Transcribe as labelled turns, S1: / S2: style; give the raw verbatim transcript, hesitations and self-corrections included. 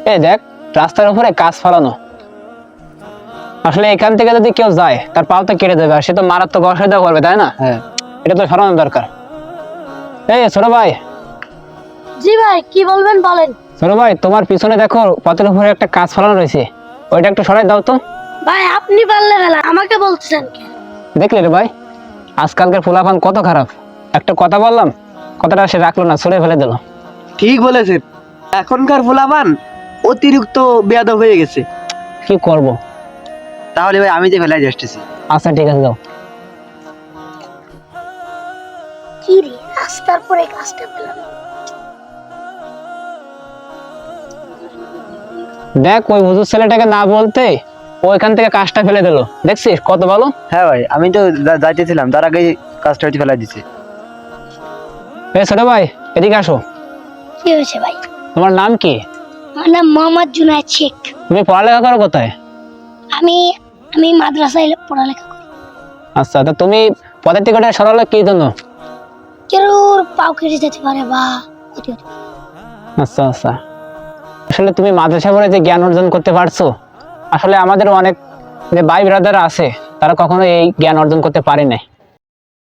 S1: এই দেখ, রাস্তার উপরে কাজ ফেলানো। আসলে এখান থেকে যদি কেউ যায় তার পাও তো কেটে দেবে, আর সে তো মারাত্মক অসুবিধা করবে, তাই না?
S2: হ্যাঁ।
S1: এটা তো সরানো দরকার। এই ছোট ভাই,
S3: জি ভাই, কি বলবেন বলেন।
S1: ছোট ভাই, তোমার পিছনে দেখো পথের উপরে একটা কাজ ফেলানো রয়েছে, ওইটা একটু সরাই দাও তো।
S3: ভাই আপনি পারলে ফেলা, আমাকে বলতেছেন কেন?
S1: দেখলে রে ভাই, আজকালকার ফুলাফান কত খারাপ। একটা কথা বললাম, কথাটা সে রাখলো না, ছুড়ে ফেলে দিল।
S2: ঠিক বলেছেন, এখনকার ফুলাবান অতিরিক্ত বেয়াদব হয়ে গেছে।
S1: কি করব?
S2: তাহলে ভাই আমি যে ফেলাই আসতেছি।
S1: আচ্ছা ঠিক আছে, যাও।
S3: কি রে, রাস্তার পরে কাজটা পেলাম।
S1: দেখ, ওই হুজুর ছেলেটাকে না বলতে ওইখান থেকে কাজটা ফেলে দিল, দেখছিস কত ভালো।
S2: হ্যাঁ ভাই, আমি তো যা- যাইতেছিলাম, তার আগে কাজটা হচ্ছে ফেলাই দিছে।
S1: এ ছোট ভাই, এদিকে আসো।
S3: কি হয়েছে ভাই?
S1: তোমার নাম কি?
S3: আমার নাম মোহাম্মদ জুনায়েদ শেখ।
S1: তুমি পড়ালেখা করো কোথায়?
S3: আমি আমি মাদ্রাসায় পড়ালেখা করি।
S1: আচ্ছা, তা তুমি পদের টিকিটে সরালে কি জন্য?
S3: কেউ পাও কেটে যেতে পারে বা ক্ষতি হতে পারে।
S1: আচ্ছা আচ্ছা, আসলে তুমি মাদ্রাসা পড়ে যে জ্ঞান অর্জন করতে পারছো, আসলে আমাদের অনেক যে ভাই ব্রাদার আছে তারা কখনো এই জ্ঞান অর্জন করতে পারে না।